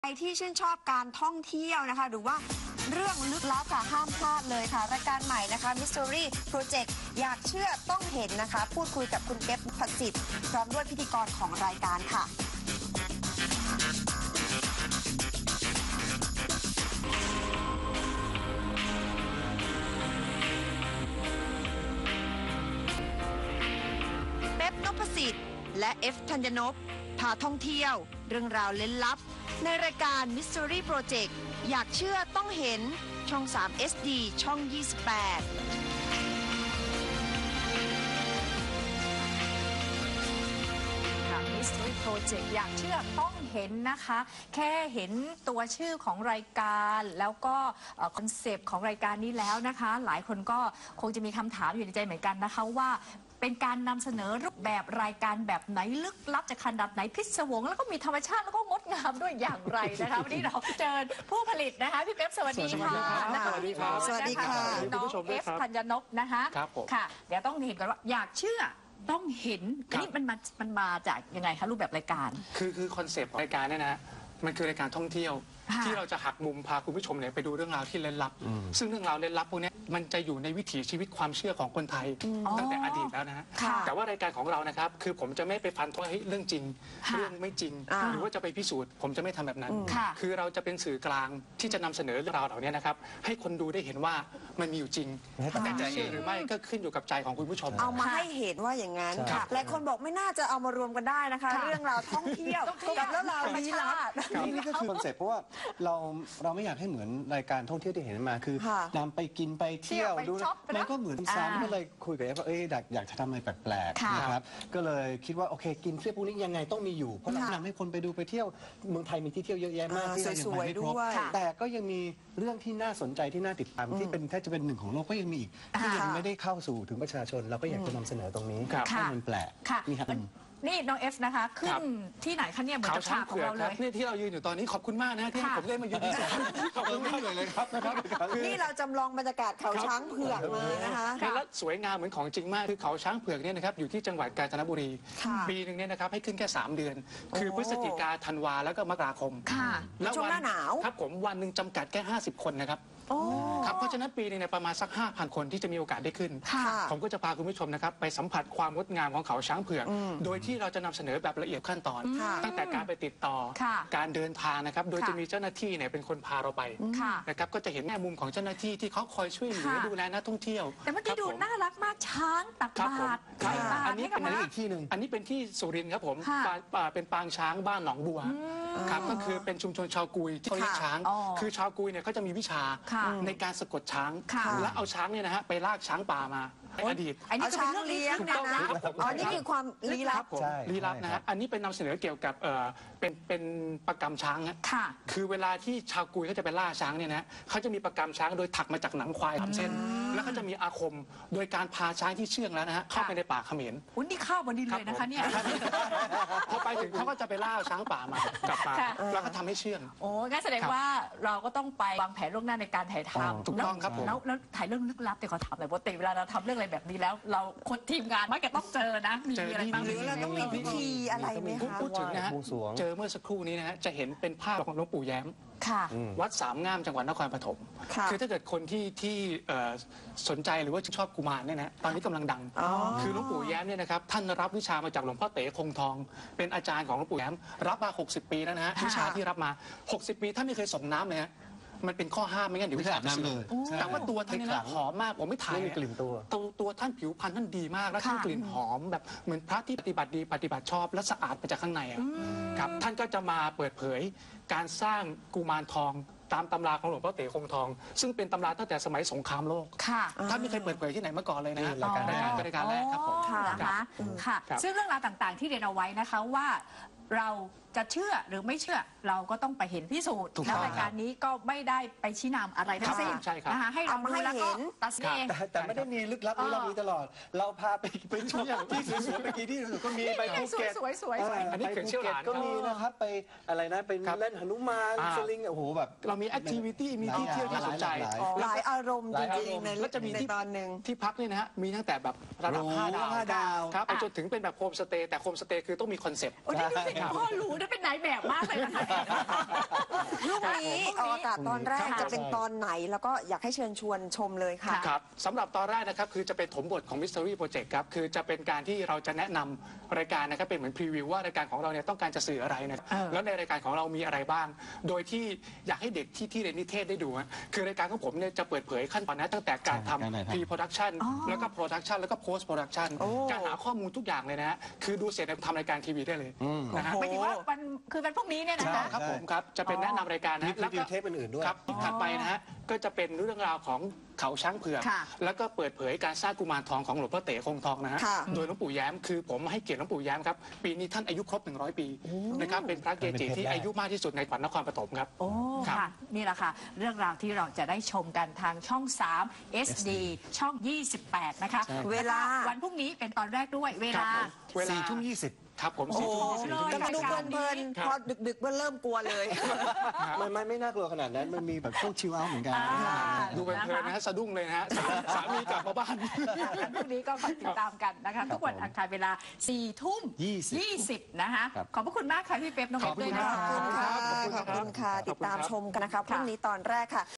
ใครที่ชื่นชอบการท่องเที่ยวนะคะหรือว่าเรื่องลึกลับค่ะห้ามพลาดเลยค่ะรายการใหม่นะคะ Mystery Project อยากเชื่อต้องเห็นนะคะพูดคุยกับคุณเก็บผสิทธิ์พร้อมด้วยพิธีกรของรายการค่ะเป๊ป นพสิทธิ์และเอฟธัญญนพพาท่องเที่ยวเรื่องราวเล้นลับในรายการ Mystery Project อยากเชื่อต้องเห็นช่อง 3 SD ช่อง 28 Mystery Project อยากเชื่อต้องเห็นนะคะแค่เห็นตัวชื่อของรายการแล้วก็คอนเซปต์ของรายการนี้แล้วนะคะหลายคนก็คงจะมีคำถามอยู่ในใจเหมือนกันนะคะว่าเป็นการนำเสนอรูปแบบรายการแบบไหนลึกลับจะขนาดไหนพิศวงแล้วก็มีธรรมชาติแล้วก็งดงามด้วยอย่างไรนะคะวันนี้เราเจอผู้ผลิตนะคะพี่เป๊ปสวัสดีค่ะสวัสดีครับสวัสดีค่ะน้องเอฟธัญญนพนะคะค่ะเดี๋ยวต้องเห็นก่อนว่าอยากเชื่อต้องเห็นนี่มันมาจากยังไงคะรูปแบบรายการคือคอนเซปต์รายการเนี่ยนะมันคือรายการท่องเที่ยวที่เราจะหักมุมพาคุณผู้ชมเนี่ยไปดูเรื่องราวที่เร้นลับซึ่งเรื่องราวเร้นลับพวกนี้มันจะอยู่ในวิถีชีวิตความเชื่อของคนไทยตั้งแต่อดีตแล้วนะฮะแต่ว่ารายการของเรานะครับคือผมจะไม่ไปฟันธงเรื่องจริงเรื่องไม่จริงหรือว่าจะไปพิสูจน์ผมจะไม่ทำแบบนั้นคือเราจะเป็นสื่อกลางที่จะนำเสนอเรื่องราวเหล่านี้นะครับให้คนดูได้เห็นว่ามันมีอยู่จริงแต่จะเชื่อหรือไม่ก็ขึ้นอยู่กับใจของคุณผู้ชมเอามาให้เห็นว่าอย่างนั้นหลายคนบอกไม่น่าจะเอามารวมกันได้นะคะเรื่องราวท่องเที่ยวกับเรื่องราวลี้ลับนี่ก็คือคอนเซ็ปต์เพราะว่าเราไม่อยากให้เหมือนรายการท่องเที่ยวที่เห็นมาคือนำไปกินไปเที่ยวดูมันก็เหมือนซ้ำก็เลยคุยกับว่าอยากจะทำอะไรแปลกๆนะครับก็เลยคิดว่าโอเคกินเที่ยวพวกนี้ยังไงต้องมีอยู่เพราะเรานำให้คนไปดูไปเที่ยวเมืองไทยมีที่เที่ยวเยอะแยะมากที่เรายังไม่ครบแต่ก็ยังมีเรื่องที่น่าสนใจที่น่าติดตามที่เป็นแทบจะเป็นหนึ่งของโลกก็ยังมีอีกที่ยังไม่ได้เข้าสู่ถึงประชาชนเราก็อยากจะนำเสนอตรงนี้ให้มันแปลกนี่ครับนี่น้องเอฟนะคะขึ้นที่ไหนคะเนี่ยเหมือนกับฉากของเราเลยนี่ที่เรายืนอยู่ตอนนี้ขอบคุณมากนะที่ผมได้มายืนที่นี่ขอบคุณมากเลยครับนี่เราจำลองบรรยากาศเขาช้างเผือกมานะคะแล้วสวยงามเหมือนของจริงมากคือเขาช้างเผือกเนี่ยนะครับอยู่ที่จังหวัดกาญจนบุรีปีหนึ่งเนี่ยนะครับให้ขึ้นแค่3 เดือนคือพฤศจิกาธันวาแล้วก็มกราคมแล้วช่วงหน้าหนาวครับผมวันหนึ่งจำกัดแค่50 คนนะครับครับเพราะฉะนั้นปีนึงเนี่ยประมาณสัก 5,000 คนที่จะมีโอกาสได้ขึ้นผมก็จะพาคุณผู้ชมนะครับไปสัมผัสความงดงามของเขาช้างเผือกโดยที่เราจะนำเสนอแบบละเอียดขั้นตอนตั้งแต่การไปติดต่อการเดินทางนะครับโดยจะมีเจ้าหน้าที่เนี่ยเป็นคนพาเราไปนะครับก็จะเห็นแง่มุมของเจ้าหน้าที่ที่เขาคอยช่วยเหลือดูแลนักท่องเที่ยวแต่เมื่อกี้ดูน่ารักมากช้างตักบาตรอันนี้เป็นอีกที่หนึ่งอันนี้เป็นที่สุรินทร์ครับผมเป็นปางช้างบ้านหนองบัวครับก็คือเป็นชุมชนชาวกุยที่เขาเลี้ยงช้างคือชาวกุยเนี่ยเขาจะมีวิชาในการสะกดช้างและเอาช้างเนี่ยนะฮะไปลากช้างป่ามาอดีตอันนี้คือเรื่องลี้ลับนะอ๋อนี่คือความลี้ลับลี้ลับนะฮะอันนี้เป็นนำเสนอเกี่ยวกับเป็นประกำช้างค่ะคือเวลาที่ชาวกุยเขาจะไปล่าช้างเนี่ยนะเขาจะมีประกำช้างโดยถักมาจากหนังควาย3 เส้นแล้วก็จะมีอาคมโดยการพาช้างที่เชื่องแล้วนะฮะเข้าไปในป่าเขมรอุ้ยนี่ข้าวบนดินเลยนะคะเนี่ยพอไปถึงเขาก็จะไปล่าช้างป่ามากลับมาแล้วก็ทำให้เชื่องโอ้งั้นแสดงว่าเราก็ต้องไปวางแผนล่วงหน้าในการถ่ายทำถูกต้องครับผมแล้วถ่ายเรื่องลึกลับแต่ขอถามหน่อยปกติเวลาเราทำเรื่องอะไรแบบนี้แล้วเราคนทีมงานมักจะต้องเจอนะมีอะไรบ้างหรือเราต้องมีพิธีอะไรไหมคะพูดถึงนะฮะเจอเมื่อสักครู่นี้นะฮะจะเห็นเป็นภาพของหลวงปู่แย้มวัดสามงามจังหวัดนครปฐมคือถ้าเกิดคนที่สนใจหรือว่าชอบกุมารเนี่ยนะตอนนี้กำลังดังคือหลวงปู่แย้มเนี่ยนะครับท่านรับวิชามาจากหลวงพ่อเต๋คงทองเป็นอาจารย์ของหลวงปู่แย้มรับมา60 ปีแล้วนะฮะวิชาที่รับมา60 ปีท่านไม่เคยส่งน้ำเลยฮะมันเป็นข้อห้ามไม่งั้นเดี๋ยวจะอาบน้ำเลยแต่ว่าตัวท่านเนี่ยหอมมากผมไม่ถ่ายกลิ่นตัวท่านผิวพรรณท่านดีมากแล้วท่านกลิ่นหอมแบบเหมือนพระที่ปฏิบัติดีปฏิบัติชอบและสะอาดมาจากข้างในครับท่านก็จะมาเปิดเผยการสร้างกุมารทองตามตำราของหลวงพ่อเต๋คงทองซึ่งเป็นตำราตั้งแต่สมัยสงครามโลกท่านไม่เคยเปิดเผยที่ไหนมาก่อนเลยนะรายการแรกครับผมค่ะซึ่งเรื่องราวต่างๆที่เรียนเอาไว้นะคะว่าเราจะเชื่อหรือไม่เชื่อเราก็ต้องไปเห็นพิสูจน์แล้วรายการนี้ก็ไม่ได้ไปชี้นำอะไรทั้งสิ้นนะคะให้เราดูแล้วก็ตัดสินเองแต่ไม่ได้มีลึกลับเรามีตลอดเราพาไปทุกอย่างที่สวยๆเมื่อกี้ที่ก็มีไปภูเก็ตสวยอันนี้เขื่อนเชี่ยวหลานก็มีนะครับไปอะไรนะไปเล่นหนุมานสลิงโอ้โหแบบเรามีแอคทิวิตี้มีที่เที่ยวที่สนใจหลายอารมณ์จริงๆแล้วจะมีที่ตอนหนึ่งที่พักเนี่ยนะฮะมีตั้งแต่แบบระดับ5 ดาวครับไปจนถึงเป็นแบบโฮมสเตย์แต่โฮมสเตย์คือต้องมีคอนเซ็ปต์พ่อรู้นะเป็นนายแบบมากเลยนะคะลูกนี้ออกอากาศตอนแรกจะเป็นตอนไหนแล้วก็อยากให้เชิญชวนชมเลยค่ะครับสำหรับตอนแรกนะครับคือจะเป็นถมบทของ Mystery Project ครับคือจะเป็นการที่เราจะแนะนำรายการนะครับเป็นเหมือนพรีวิวว่ารายการของเราเนี่ยต้องการจะสื่ออะไรนะแล้วในรายการของเรามีอะไรบ้าง โดยที่อยากให้เด็กที่เรียนนิเทศได้ดูฮะคือรายการของผมเนี่ยจะเปิดเผยขั้นตอนนะตั้งแต่การทำ pre-production แล้วก็ production แล้วก็ post-production การหาข้อมูลทุกอย่างเลยนะฮะคือดูเสร็จแล้วทำรายการทีวีได้เลยนะฮะหมายถึงว่าวันคือวันพรุ่งนี้เนี่ยนะคะครับผมครับจะเป็นแนะนำรายการนะมีแล้วรีก็วิวเทปอื่นๆด้วยครับอีกถัดไปนะฮะก็จะเป็นเรื่องราวของเขาช้างเผือกค่ะแล้วก็เปิดเผยการสร้างกุมารทองของหลวงพ่อเต๋คงทองนะฮะค่ะโดยหลวงปู่แย้มคือผมให้เกียรติหลวงปู่แย้มครับปีนี้ท่านอายุครบ100 ปีนะครับเป็นพระเกจิที่อายุมากที่สุดในจังหวัดนครปฐมครับโอ้ครับค่ะนี่แหละค่ะ เรื่องราวที่เราจะได้ชมกันทางช่อง 3 SD ช่อง 28 นะคะเวลาวันพรุ่งนี้เป็นตอนแรกด้วยเวครับลาผมเวลา 4 ทุ่ม 20 ครับผมโอ้ 4 ทุ่มโหแต่มาดูเพลินครับๆพอดึกๆมันเริ่มกลัวเลยไม่น่ากลัวขนาดนั้น มันมีแบบช่วงชิลเอาท์เหมือนกันดูเพลินๆนะฮะสะดุ้งเลยนะฮะสามีกลับมาบ้านวันพรุ่งนี้ก็คอยติดตามกันนะคะ ทุกวันอังคารเวลา 4 ทุ่ม 20 นะคะครับขอบพระคุณมากค่ะพี่เป๊ปน้องเป๊ปด้วยนะขอบคะคุณค่ะ ขอบคุณค่ะ ติดตามชมกันนะคะพรุ่งนี้ตอนแรกค่ะ